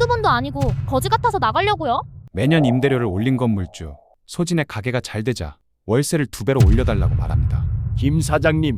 한두 번도 아니고 거지 같아서 나가려고요? 매년 임대료를 올린 건물주 소진의 가게가 잘 되자 월세를 2배로 올려달라고 말합니다. 김 사장님,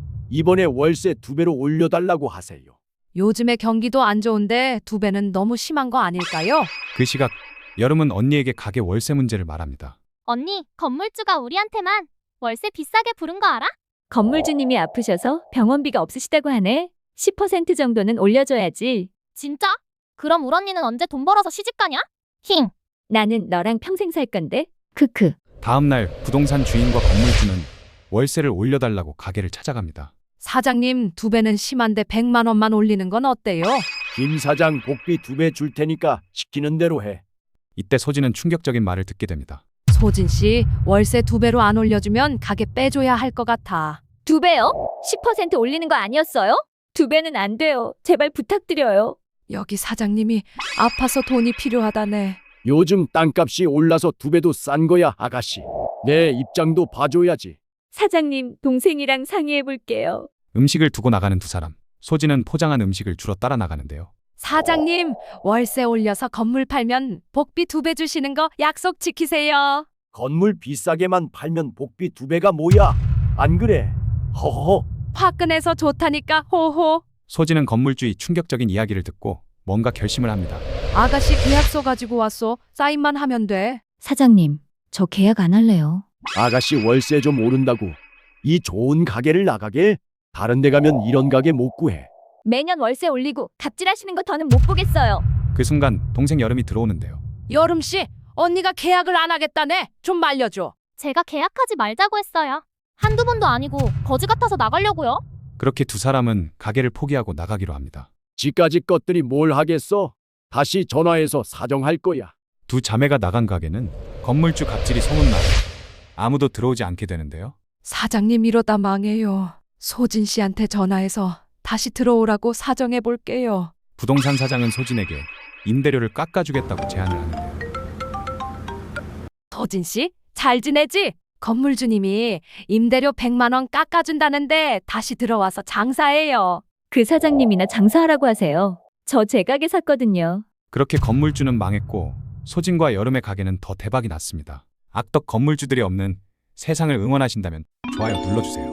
이번에 월세 2배로 올려달라고 하세요. 요즘에 경기도 안 좋은데 2배는 너무 심한 거 아닐까요? 그 시각 여름은 언니에게 가게 월세 문제를 말합니다. 언니, 건물주가 우리한테만 월세 비싸게 부른 거 알아? 건물주님이 아프셔서 병원비가 없으시다고 하네. 10% 정도는 올려줘야지. 진짜? 그럼 울 언니는 언제 돈 벌어서 시집 가냐? 힝. 나는 너랑 평생 살 건데. 크크. 다음 날 부동산 주인과 건물주는 월세를 올려달라고 가게를 찾아갑니다. 사장님, 2배는 심한데 100만 원만 올리는 건 어때요? 김 사장 복비 2배 줄 테니까 시키는 대로 해. 이때 소진은 충격적인 말을 듣게 됩니다. 소진 씨, 월세 2배로 안 올려주면 가게 빼줘야 할 것 같아. 2배요? 10% 올리는 거 아니었어요? 2배는 안 돼요. 제발 부탁드려요. 여기 사장님이 아파서 돈이 필요하다네. 요즘 땅값이 올라서 2배도 싼 거야, 아가씨. 내 입장도 봐줘야지. 사장님, 동생이랑 상의해 볼게요. 음식을 두고 나가는 두 사람. 소진은 포장한 음식을 주러 따라 나가는데요. 사장님, 월세 올려서 건물 팔면 복비 2배 주시는 거 약속 지키세요. 건물 비싸게만 팔면 복비 2배가 뭐야? 안 그래? 허허. 화끈해서 좋다니까 호호. 소진은 건물주의 충격적인 이야기를 듣고 뭔가 결심을 합니다. 아가씨 계약서 가지고 왔어. 사인만 하면 돼. 사장님, 저 계약 안 할래요. 아가씨 월세 좀 오른다고 이 좋은 가게를 나가게? 다른 데 가면 이런 가게 못 구해. 매년 월세 올리고 갑질하시는 거 더는 못 보겠어요. 그 순간 동생 여름이 들어오는데요. 여름 씨, 언니가 계약을 안 하겠다네. 좀 말려줘. 제가 계약하지 말자고 했어요. 한두 번도 아니고 거지 같아서 나가려고요? 그렇게 두 사람은 가게를 포기하고 나가기로 합니다. 지까지 것들이 뭘 하겠어? 다시 전화해서 사정할 거야. 두 자매가 나간 가게는 건물주 갑질이 소문나 아무도 들어오지 않게 되는데요. 사장님 이러다 망해요. 소진 씨한테 전화해서 다시 들어오라고 사정해 볼게요. 부동산 사장은 소진에게 임대료를 깎아주겠다고 제안을 하는데요. 소진 씨, 잘 지내지? 건물주님이 임대료 100만 원 깎아준다는데 다시 들어와서 장사해요. 그 사장님이나 장사하라고 하세요. 저 제 가게 샀거든요. 그렇게 건물주는 망했고 소진과 여름의 가게는 더 대박이 났습니다. 악덕 건물주들이 없는 세상을 응원하신다면 좋아요 눌러주세요.